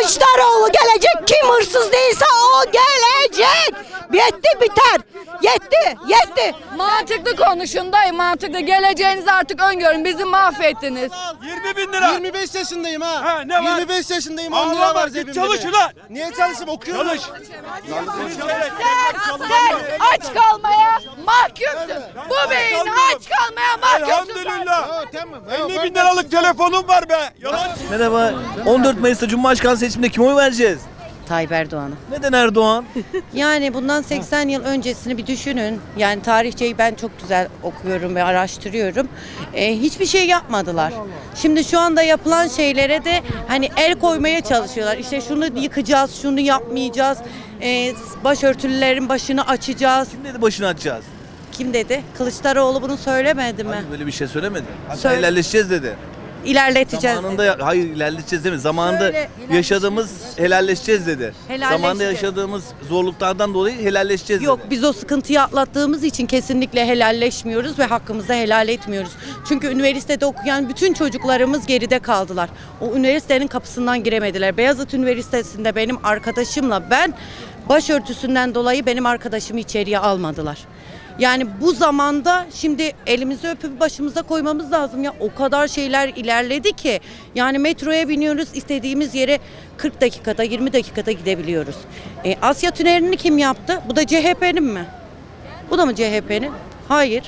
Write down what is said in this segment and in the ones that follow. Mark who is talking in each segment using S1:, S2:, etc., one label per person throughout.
S1: Kılıçdaroğlu gelecek. Kim hırsız değilse o gelecek. Yetti biter. Yetti.
S2: Mantıklı konuşun dayı, mantıklı. Geleceğinizi artık öngörün. Bizi mahvettiniz.
S3: 20.000 lira.
S4: 25 yaşındayım ha.
S3: Ha, ne var?
S4: 25 yaşındayım.
S3: Allah
S4: 10 lira
S3: var,
S4: var
S3: git
S4: cebimde.
S3: çalış
S4: de.
S3: ulan.
S4: Niye çalışayım? Okuyorum.
S3: Çalış.
S2: Sen aç kalmaya mahkumsun. Bu beyin aç kalmaya mahkumsun.
S3: Elhamdülillah.
S4: Tamam.
S3: 50.000 liralık telefonum var be. Yalan.
S5: Merhaba. 14 Mayıs'ta Cumhurbaşkanı seçiminde kime oy vereceğiz?
S6: Tayyip Erdoğan'a.
S5: Neden Erdoğan?
S6: Yani bundan 80 yıl öncesini bir düşünün. Yani tarihçeyi ben çok güzel okuyorum ve araştırıyorum. Hiçbir şey yapmadılar. Şimdi şu anda yapılan şeylere de hani el koymaya çalışıyorlar. İşte şunu yıkacağız, şunu yapmayacağız. Başörtülülerin başını açacağız.
S5: Kim dedi başını açacağız?
S6: Kim dedi? Kılıçdaroğlu bunu söylemedi mi?
S5: Hayır, böyle bir şey söylemedi. Hatta
S6: Söyle.
S5: helalleşeceğiz dedi.
S6: İlerleteceğiz.
S5: Zamanında hayır ilerleteceğiz değil mi? Zamanında
S6: Şöyle,
S5: yaşadığımız helalleşeceğiz dedi.
S6: Helalleşeceğiz.
S5: Zamanında yaşadığımız zorluklardan dolayı helalleşeceğiz
S6: Yok,
S5: dedi.
S6: biz o sıkıntıyı atlattığımız için kesinlikle helalleşmiyoruz ve hakkımızı helal etmiyoruz. Çünkü üniversitede okuyan bütün çocuklarımız geride kaldılar. O üniversitenin kapısından giremediler. Beyazıt Üniversitesi'nde benim arkadaşımla ben başörtüsünden dolayı benim arkadaşımı içeriye almadılar. Yani bu zamanda şimdi elimizi öpüp başımıza koymamız lazım ya. O kadar şeyler ilerledi ki. Yani metroya biniyoruz, istediğimiz yere 40 dakikada 20 dakikada gidebiliyoruz. Asya Tüneli'ni kim yaptı? Bu da CHP'nin mi? Bu da mı CHP'nin? Hayır.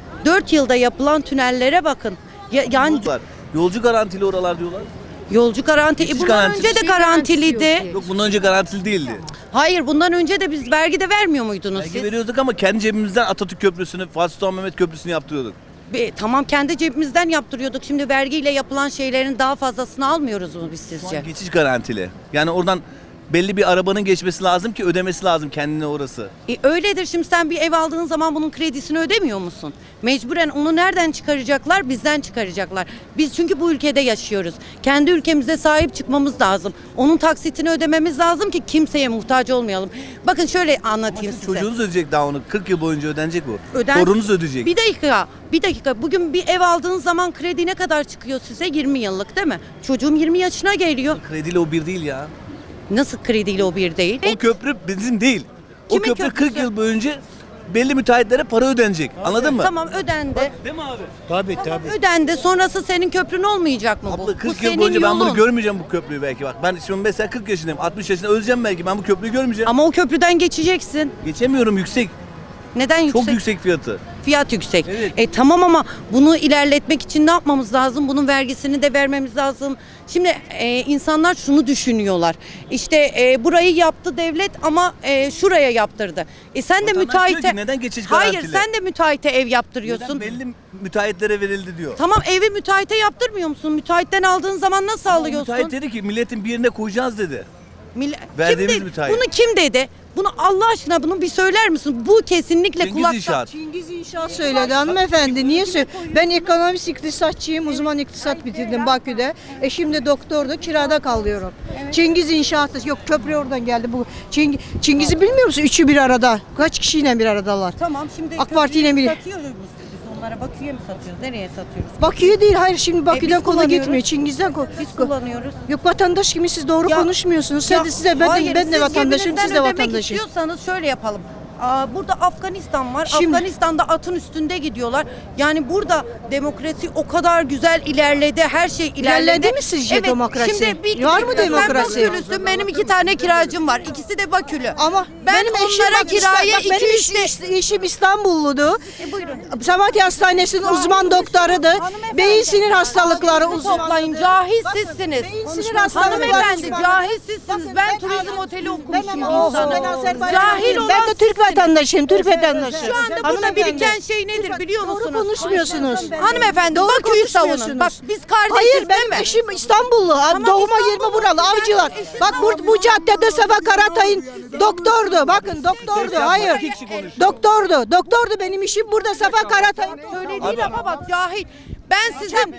S6: 4 yılda yapılan tünellere bakın. Yani
S5: Yolcu garantili oralar diyorlar.
S6: yolcu garanti.
S5: Geçiş
S6: Bundan
S5: garantisi.
S6: önce de garantiliydi.
S5: Yok bundan önce garantili değildi.
S6: Hayır, bundan önce de biz vergi de vermiyor muydunuz
S5: Belge
S6: siz?
S5: veriyorduk ama kendi cebimizden Atatürk Köprüsü'nü, Fatih Sultan Mehmet Köprüsü'nü yaptırıyorduk.
S6: Tamam, kendi cebimizden yaptırıyorduk. Şimdi vergiyle yapılan şeylerin daha fazlasını almıyoruz mu biz
S5: Şu
S6: sizce?
S5: an geçiş garantili. Yani oradan belli bir arabanın geçmesi lazım ki ödemesi lazım kendine orası.
S6: Öyledir. Şimdi sen bir ev aldığın zaman bunun kredisini ödemiyor musun? Mecburen onu nereden çıkaracaklar? Bizden çıkaracaklar. Biz çünkü bu ülkede yaşıyoruz. Kendi ülkemize sahip çıkmamız lazım. Onun taksitini ödememiz lazım ki kimseye muhtaç olmayalım. Bakın şöyle anlatayım size.
S5: Çocuğunuz ödeyecek daha onu. 40 yıl boyunca ödenecek bu.
S6: Öden-
S5: Torununuz ödeyecek.
S6: Bir dakika. Bugün bir ev aldığın zaman kredi ne kadar çıkıyor size? 20 yıllık değil mi? Çocuğum 20 yaşına geliyor.
S5: Krediyle o bir değil ya.
S6: Nasıl krediyle o bir değil?
S5: O köprü bizim değil. O
S6: Kimin
S5: köprü 40
S6: köprüsü?
S5: yıl boyunca belli müteahhitlere para ödenecek. Anladın mı?
S6: Tamam, ödendi.
S5: Değil mi abi?
S4: Tabii.
S6: Ödendi. Sonrası senin köprün olmayacak mı bu?
S5: Abla 40
S6: bu
S5: yıl
S6: senin
S5: boyunca ben bunu
S6: yolun.
S5: görmeyeceğim bu köprüyü belki bak. Ben şimdi mesela 40 yaşındayım. 60 yaşında öleceğim belki. Ben bu köprüyü görmeyeceğim.
S6: Ama o köprüden geçeceksin.
S5: Geçemiyorum yüksek.
S6: Neden yüksek?
S5: Çok yüksek fiyatı.
S6: Fiyat yüksek.
S5: Evet.
S6: Tamam ama bunu ilerletmek için ne yapmamız lazım? Bunun vergisini de vermemiz lazım. Şimdi insanlar şunu düşünüyorlar. İşte burayı yaptı devlet ama şuraya yaptırdı. Sen de
S5: Vatandaş
S6: müteahhite...
S5: diyor ki, neden geçiş
S6: Hayır,
S5: garantili?
S6: sen de müteahhite ev yaptırıyorsun.
S5: Neden belli müteahhitlere verildi diyor.
S6: Tamam, evi müteahhite yaptırmıyor musun? Müteahhitten aldığın zaman nasıl alıyorsun?
S5: Müteahhit dedi ki milletin bir yerine koyacağız dedi.
S6: Kim
S5: Verdiğimiz
S6: dedi?
S5: müteahhit.
S6: Bunu kim dedi? Bunu Allah aşkına bunu bir söyler misin? Bu kesinlikle
S5: Cengiz
S6: kulaktan.
S5: İnşaat.
S1: Cengiz İnşaat söyledi hanımefendi. Niye söyledi? Ben ekonomist iktisatçıyım. Uzman iktisat bitirdim Bakü'de. Eşim de doktordu. Kirada kalıyorum. Cengiz İnşaat. Yok, köprü oradan geldi. Bu Cengiz'i bilmiyor musun? Üçü bir arada. Kaç kişiyle bir aradalar?
S6: Tamam, şimdi
S1: AK Parti ile
S6: köprüyü
S1: bir-
S6: satıyoruz biz onlara. Bakü'ye mi satıyoruz? Nereye satıyoruz?
S1: Bakü'ye değil. Hayır, şimdi Bakü'den
S6: biz
S1: konu
S6: kullanıyoruz.
S1: gitmiyor. Cengiz'den
S6: Biz kullanıyoruz.
S1: Yok, vatandaş gibi siz doğru
S6: Ya-
S1: konuşmuyorsunuz.
S6: Ya,
S1: Ben
S6: hayır,
S1: de
S6: siz
S1: vatandaşım,
S6: cebinizden
S1: siz de
S6: ödemek
S1: vatandaşım.
S6: istiyorsanız şöyle yapalım. Burada Afganistan var.
S1: Şimdi-
S6: Afganistan'da atın üstünde gidiyorlar. Yani burada demokrasi o kadar güzel ilerledi. Her şey ilerledi.
S1: İlerledi mi sizce demokrasi?
S6: Şimdi
S1: Var mı demokrasi?
S6: Sen Bakülüsün. Benim 2 tane kiracım var. İkisi de Bakülü.
S1: Ama
S6: ben
S1: benim eşim
S6: onlara
S1: bak,
S6: kiraya
S1: bak, benim
S6: 2-3
S1: eşim İstanbulludu.
S6: Buyurun.
S1: Samatya Hastanesi'nin uzman doktorudu.
S6: Hanımefendi,
S1: Beyin sinir hastalıkları
S6: ağzınızı toplayın.
S1: uzmanıydı.
S6: Cahil
S1: Bakın,
S6: sizsiniz.
S1: beyin sinir hastalıkları
S6: Hanımefendi,
S1: uzmanı.
S6: cahil sizsiniz.
S1: Bakın,
S6: Ben turizm oteli okumuşum
S1: Ben
S6: insanım.
S1: Azerbaycanlıyım.
S6: Cahil olan
S1: Ben de Türk
S6: sizsiniz.
S1: vatandaşıyım. Türk vatandaşı.
S6: Şu anda burada
S1: Hanımefendi,
S6: biriken şey nedir biliyor
S1: Doğru
S6: musunuz?
S1: konuşmuyorsunuz.
S6: Hanımefendi,
S1: Doğru
S6: Bakü'yü savunun.
S1: konuşmuyorsunuz.
S6: Bak biz kardeşiz
S1: Hayır,
S6: değil
S1: benim
S6: mi?
S1: eşim İstanbullu. Doğuma
S6: İstanbullu.
S1: 20 buralı avcılar.
S6: Benim eşim
S1: Bak bu caddede Sefa Karatay'ın doktordu. Bakın doktordu. Hayır. Doktordu. Benim işim burada Sefa Karatay'ın.
S6: Söylediği lafa bak cahil. Ben sizin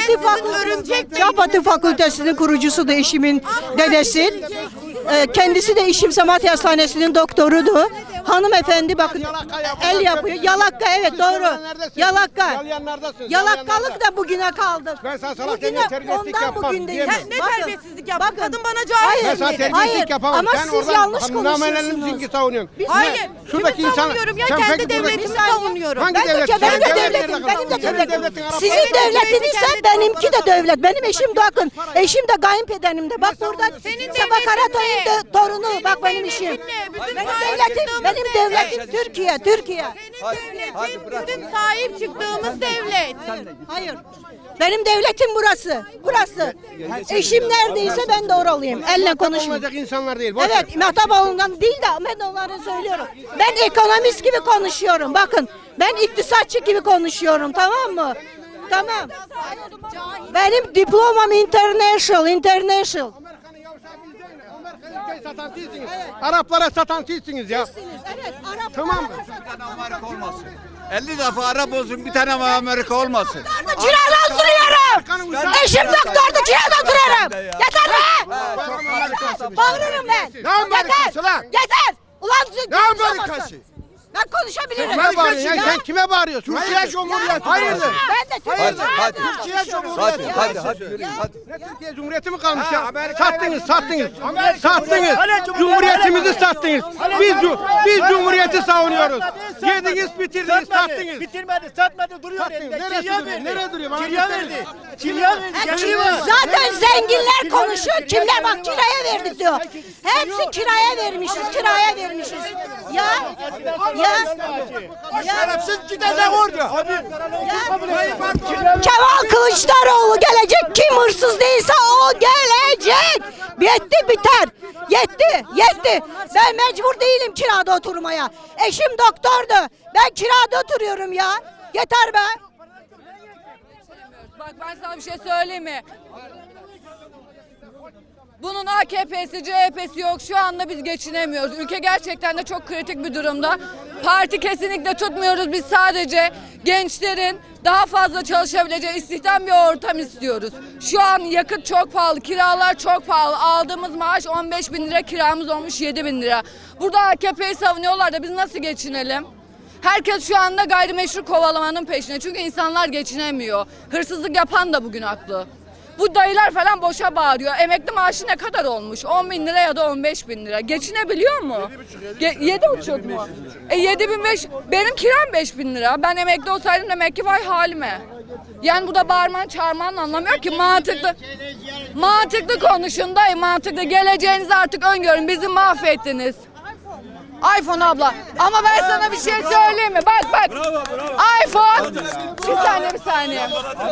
S1: Çapatı Fakültesi'nin kurucusu da eşimin dedesi. Kendisi de eşim Samatya Hastanesi'nin doktorudu. hanımefendi bakın el yapıyor. Yalaka evet doğru. Yalaka.
S4: Yalayanlardasın.
S1: Yalakalık da bugüne kaldı.
S4: Ben sana salak
S1: Bugüne
S4: demeye terbiyesizlik
S1: ondan
S4: yapmam,
S1: bugün değil.
S4: diyemem.
S6: Sen ne terbiyesizlik yaptın? Kadın bana cahil
S1: Hayır,
S4: Ben sana
S6: dedi.
S4: terbiyesizlik
S1: hayır.
S4: yapamam.
S1: Ama
S4: Sen
S1: siz
S4: oradan
S1: yanlış
S4: namelenmişsin
S1: konuşuyorsunuz.
S4: ki savunuyorsun.
S6: Hayır.
S4: Şuradaki
S6: Kimi
S4: insan-
S6: savunuyorum ya?
S4: sen
S6: Kendi
S4: peki
S6: devletimi
S4: buradaki-
S6: savunuyorum.
S4: Hangi
S1: Ben de
S4: devlet?
S1: benim
S4: Sen
S1: de
S4: devlet
S1: devletim,
S4: nerede
S1: benim de
S4: kaldı? Senin
S1: devletim.
S4: devletin Arap
S1: Sizin
S4: devleti.
S1: devletiniz ise
S6: kendi
S1: benimki de devlet. Benim eşim bakın, eşim de kayınpederim de. Bak burada
S6: Senin
S1: Sabah Karatoy'un
S6: devletin ne?
S1: torunu.
S6: Senin
S1: Bak benim
S6: devletin
S1: işim.
S6: ne? Bütün
S1: Benim
S6: sahip
S1: devletim,
S6: çıktığımız
S1: benim devletim Türkiye, Türkiye.
S6: Senin devletin bütün sahip çıktığımız devlet.
S1: Hayır. Benim devletim burası. Burası. Eşim neredeyse ben de oralıyım. Elle konuşmayayım.
S4: Olmayacak insanlar değil. boş ver.
S1: Evet, Mehtaboğlu'ndan değil de ben onları söylüyorum. Ben ekonomist gibi konuşuyorum. Bakın, ben iktisatçı gibi konuşuyorum, tamam mı? Tamam. Benim diplomam international.
S4: Amerika'nın yavşağı biz değil. Amerika'yı satan sizsiniz. Araplara satan sizsiniz ya.
S1: Evet, Arap.
S4: Tamam mı?
S3: Amerika olmasın. 50 defa Arap olsun bir tane Amerika olmasın.
S1: Kirada oturuyorum. Eşim doktordu, kirada oturuyorum. Yeter be! Bağırırım ben.
S4: Ne Amerikası lan?
S1: Yeter! Ulan
S4: Ne Amerikası?
S1: Ben konuşabilirim.
S4: Kime bağırıyorsun ya? Sen kime bağırıyorsun? Türkiye Cumhuriyeti. Hayırdır?
S1: Ben de Türkiye'de.
S4: Türkiye Cumhuriyeti.
S3: Hadi yürü hadi.
S4: Ne Türkiye Cumhuriyeti mi kalmış ya? Sattınız. Sattınız. Cumhuriyetimizi sattınız. Biz Cumhuriyeti savunuyoruz. Yediniz, bitirdiniz, sattınız.
S7: Bitirmedi, satmadı, duruyor
S4: Sattınız.
S7: elinde.
S4: Neresi
S7: Kirya
S4: duruyor?
S7: verdi.
S4: Nereye duruyor? Bana
S7: Kirya
S4: gösterin.
S7: verdi. Kirya verdi.
S1: Zaten zenginler konuşuyor. Kimler bak kiraya verdik diyor. Hepsi kiraya vermişiz. Ya.
S4: Şerefsiz gidecek orada.
S1: Kemal Kılıçdaroğlu gelecek. Kim hırsız değilse o gelecek. Yetti biter. Yetti. Ben mecbur değilim kirada oturmaya. Eşim doktordu. Ben kirada oturuyorum ya. Yeter be.
S2: Bak ben sana bir şey söyleyeyim mi? Bunun AKP'si, CHP'si yok. Şu anda biz geçinemiyoruz. Ülke gerçekten de çok kritik bir durumda. Parti kesinlikle tutmuyoruz. Biz sadece gençlerin daha fazla çalışabileceği istihdam bir ortam istiyoruz. Şu an yakıt çok pahalı, kiralar çok pahalı. Aldığımız maaş 15 bin lira, kiramız olmuş 7 bin lira. Burada AKP'yi savunuyorlar da biz nasıl geçinelim? Herkes şu anda gayrimeşru kovalamanın peşinde. Çünkü insanlar geçinemiyor. Hırsızlık yapan da bugün haklı. Bu dayılar falan boşa bağırıyor. Emekli maaşı ne kadar olmuş? 10 bin lira ya da 15 bin lira. Geçinebiliyor mu? 7,5 mu? 7.500. Benim kiram 5 bin lira. Ben emekli olsaydım demek ki vay halime. Yani bu da bağırman çağırman anlamıyor ki mantıklı konuşun dayı, mantıklı. Geleceğinizi artık öngörün. Bizi mahvettiniz. iPhone abla. Ama ben sana bir şey söyleyeyim mi? Bak. iPhone. Bir saniye.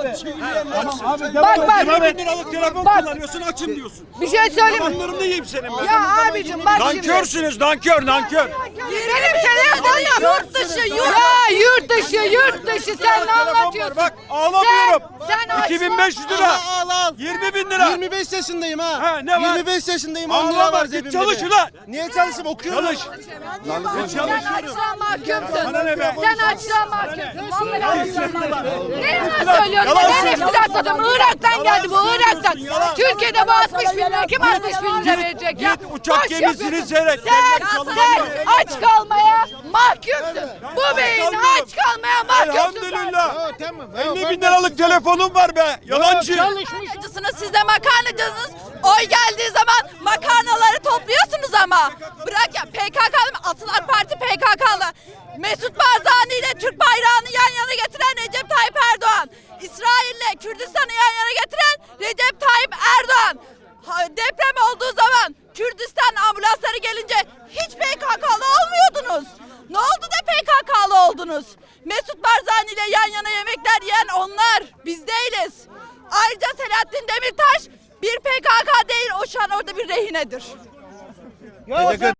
S2: Bak.
S3: 20 bin liralık telefon kullanıyorsun açım diyorsun.
S2: Bir şey söyleyeyim mi?
S3: Onların da yiyeyim senin ben.
S2: Ya abicim bak şimdi.
S3: Nankörsünüz nankör.
S2: Benim telefonum yurt dışı. Sen ne anlatıyorsun?
S3: Bak ağlamıyorum.
S2: Sen açma.
S3: 2500 lira.
S4: Al.
S3: 20 bin lira.
S4: 25 yaşındayım ha.
S3: Ha, ne var?
S4: 25 yaşındayım. 10 lira
S3: Ağlama
S4: var
S3: git
S4: cebimde.
S3: çalış
S4: de.
S3: ulan.
S4: Niye çalışayım? Okuyorum.
S3: Çalış.
S2: Sen açlığa mahkumsun.
S3: Bana ne be?
S2: Sen açlığa mahkumsun. Vallahi açlığa mahkumsun. Ne yalan söylüyorsun? Neden iftira atıyorsun? Irak'tan geldi bu, Irak'tan. Türkiye'de bu 60 bin lira. Kim 60 bin lira verecek ya?
S3: Git uçak
S2: Boş
S3: gemisini
S2: yapıyorsun.
S3: seyret.
S2: Sen aç kalmaya mahkumsun. Bu beyin aç kalmaya mahkumsun.
S3: Elhamdülillah.
S4: Tamam.
S3: 50 bin liralık telefonum var be. Yalancı.
S2: Makarnacısınız, siz de makarnacısınız. Oy geldiği zaman makarnaları topluyorsunuz ama. Bırak ya, PKK'lı, Atılar Parti PKK'lı. Mesut Barzani ile Türk bayrağını yan yana getiren Recep Tayyip Erdoğan. İsrail'le Kürdistan'ı yan yana getiren Recep Tayyip Erdoğan. Deprem olduğu zaman Kürdistan ambulansları gelince hiç PKK'lı olmuyordunuz. Ne oldu da PKK'lı oldunuz? Mesut Barzani ile yan yana yemekler yiyen onlar. Biz değiliz. Ayrıca Selahattin Demirtaş bir PKK değil, o şu an orada bir rehinedir.